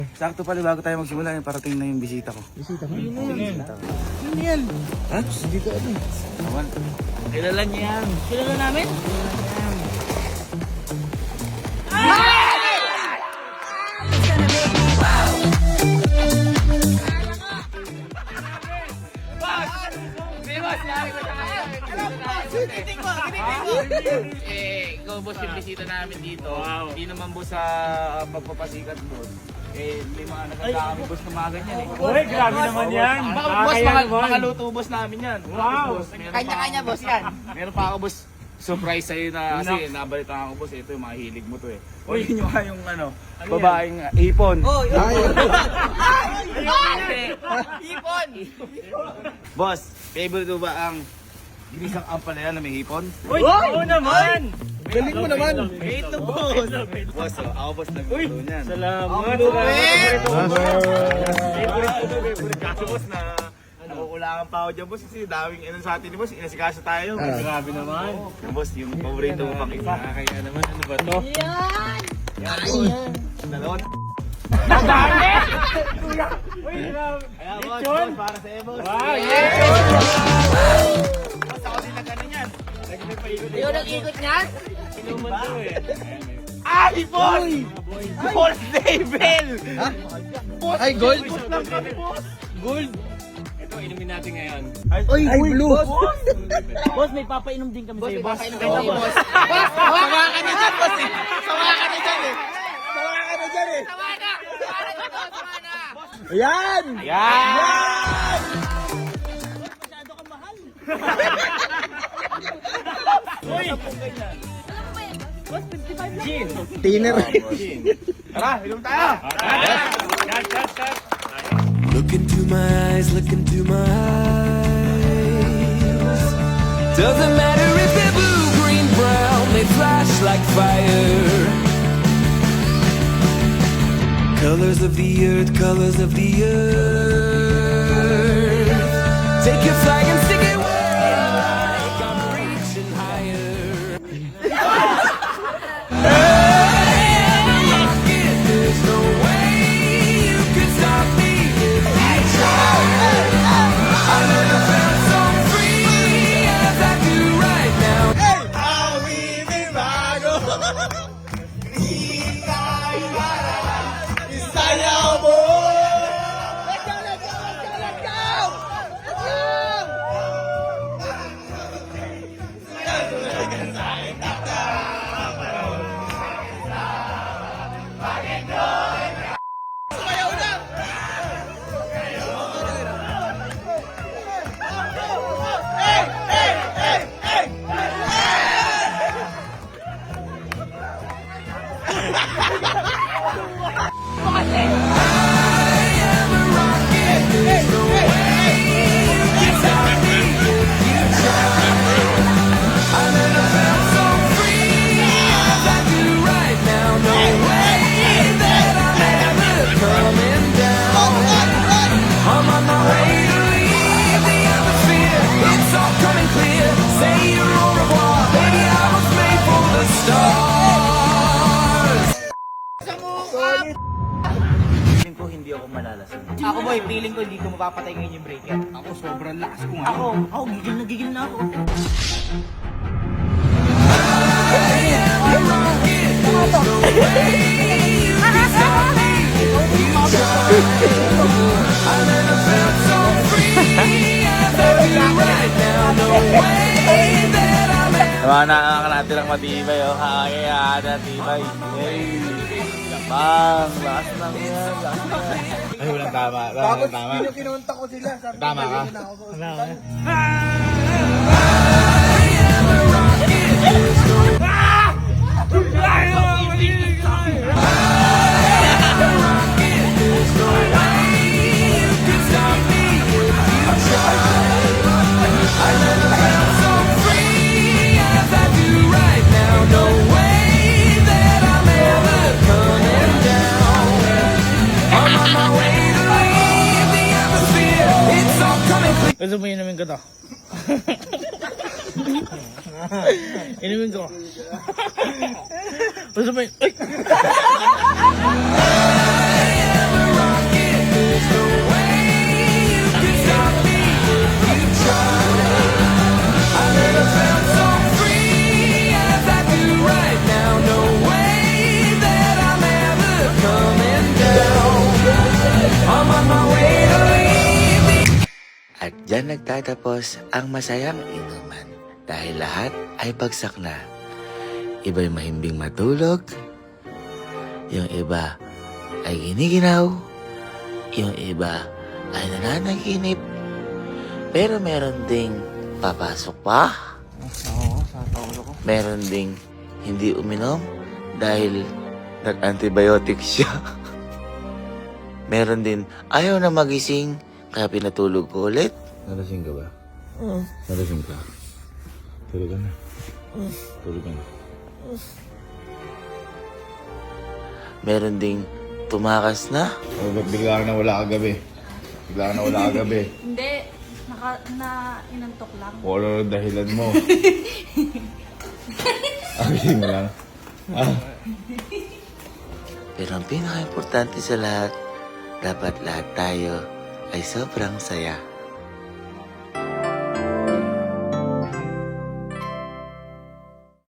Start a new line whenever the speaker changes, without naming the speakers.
Sakto pala bago tayo magsimula, yung parating na yung bisita ko.
Bisita mo? Yun
yan.
Ha?
Dito ano?
Awan. Kilala niya yan.
Kilala namin?
Ikaw boss yung bisita namin dito. Hindi naman boss sa pagpapasikat boss. May mga nagkakami boss na mga ganyan eh.
Uy, grabe naman yan.
Baka boss, mga luto boss namin yan.
Wow.
Kanya-kanya boss yan.
Meron pa ako boss, surprise sa'yo na kasi nabalitaan ko boss, ito yung mga hilig mo to eh. O yun yung ano, babaeng ipon.
Oh, yun.
Ipon! Boss, favorite mo ba ang ginisang ampalaya na may hipon?
Uy, oo naman.
Galing mo naman.
Ito boss! Boss, ako boss nagluto niyan.
Salamat.
Kaso boss na nakukulangan pa ako dyan boss kasi daming sa atin ni boss, inasikaso tayo.
Grabe naman.
Boss, yung paborito mo pang isa.
Kaya naman, ano ba to?
Yan.
Dalawang.
Dami! Uy, grabe.
Kaya boss, para sa iyo boss.
Wow, yes!
Boss, ako din na ganun yan.
Yung nag-ikot niyan?
Inuman to eh.
Hipon! Boss Davel!
Ay, gold?
Gold. Ito, inumin natin ngayon.
Ay, blue.
Boss, may papainom din kami sa'yo, boss.
Boss,
Sawa ka na dyan, boss. Sawa ka na dyan eh.
Sawa ka na dyan eh.
Sawa na. Sawa na, boss. Sawa na.
Ayan!
yan!
Masyado kang mahal.
Uy!
Boss, 55 lang.
Gin!
Tiner.
Tara, ilong tayo!
Shot!
Look into my eyes, look into my eyes. Doesn't matter if they're blue, green, brown, they flash like fire. Colors of the earth, colors of the earth. Take your flag and stick it where you like. I'm reaching higher. There's no way you can stop me if you try. I never felt so free as I do right now.
Feeling ko hindi ako malalasing.
Ako boy, feeling ko hindi ko mapapatay ngayon yung breaker.
Ako sobrang lakas ko nga.
Ako, gigil na ako.
Diba, nakakalatin lang matibay, oh. Kaya natibay. Hey! Bang! Lakas lang yan, lakas lang. Ay, walang tama.
Tapos, kinunta ko sila. Sabi ko,
Tama ka.
"Balik mo na ako sa ospital."
Gusto mo inumin ko to? Inumin ko. Gusto mo yun? Ay!
Diyan nagtatapos ang masayang inuman dahil lahat ay bagsak na. Iba'y mahimbing matulog, yung iba ay giniginaw, yung iba ay nananaginip, pero meron ding papasok pa. Meron ding hindi uminom dahil nag-antibiotic siya. Meron din ayaw na magising kaya pinatulog ko ulit.
Nalasing ka ba? Nalasing ka? Tulog ka na. Tulog ka na.
Meron ding tumakas na.
Oh, ba't bigla ka na wala kagabi? Bigla ka na wala kagabi.
Hindi, inantok lang.
Kung ano ang dahilan mo. Agising mo lang.
Pero ang pinaka-importante sa lahat, dapat lahat tayo ay sobrang saya.